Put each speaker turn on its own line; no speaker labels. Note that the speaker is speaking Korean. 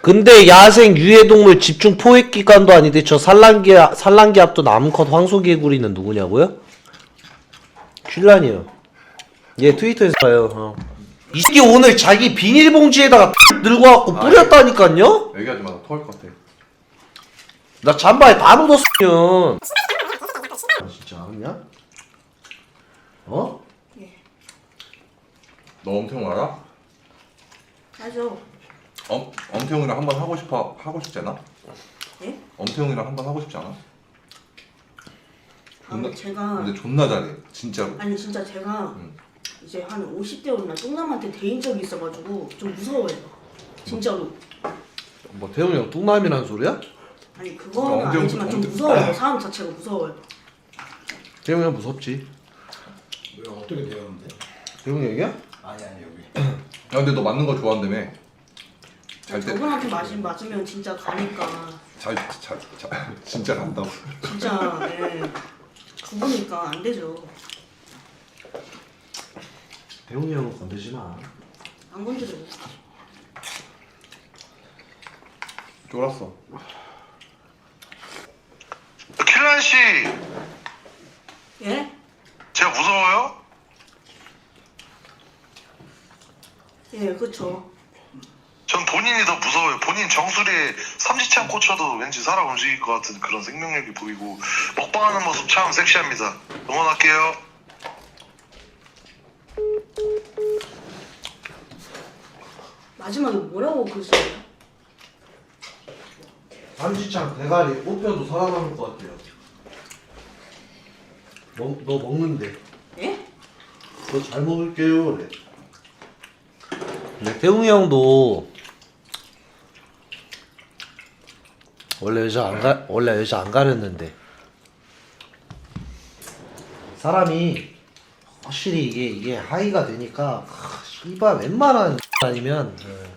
근데 야생 유해동물 집중 포획 기간도 아닌데 저 산란기압도 남컷 황소개구리는 누구냐고요? 츨란이요. 얘 트위터에서 봐요. 이 새끼 오늘 자기 비닐봉지에다가 들고 와갖고 뿌렸다니깐요?
얘기하지 마. 나 토할 것 같아.
나 잠바에 다 묻었으면. 진짜 알았냐? 어?
예.
너 엄태웅 알아?
알죠.
엄태웅이랑 한번 하고 싶지 않아?
예?
엄태웅이랑 한번 하고 싶지 않아?
근데 제가
근데 존나 잘해. 진짜로.
아니 진짜 제가
응.
이제 한 50대 오나 뚱남한테 대인 적이 있어가지고 좀 무서워요. 진짜로.
뭐 태웅이 형 뚱남이라는 소리야?
아니 그거는
엄청-
아니지만 좀
엄청-
무서워요. 사람 자체가 무서워요.
태웅이 형 무섭지.
왜 어떻게 되었는데?
태웅이 형이야?
아니 여기.
야 근데 너 맞는 거 좋아한다며. 잘 때.
저분한테 맞으면 진짜 가니까
진짜 간다고.
진짜 예. 죽으니까 안 되죠.
태웅이 형은 건들지 마.
안 건드려요.
쫄았어.
킬란 씨,
예?
제가 무서워요?
예, 그쵸.
전 본인이 더 무서워요. 본인 정수리에 삼지창 꽂혀도 왠지 살아 움직일 것 같은 그런 생명력이 보이고 먹방하는 모습 참 섹시합니다. 응원할게요.
마지막에 뭐라고 그러시나요?
삼지창 대가리 뽑혀도 살아남을 것 같아요. 너 먹는데.
예?
너 잘 먹을게요. 그래. 근데 태웅이 형도 원래 여자 안 가렸는데 사람이 확실히 이게 하이가 되니까 씨발 웬만한 아니면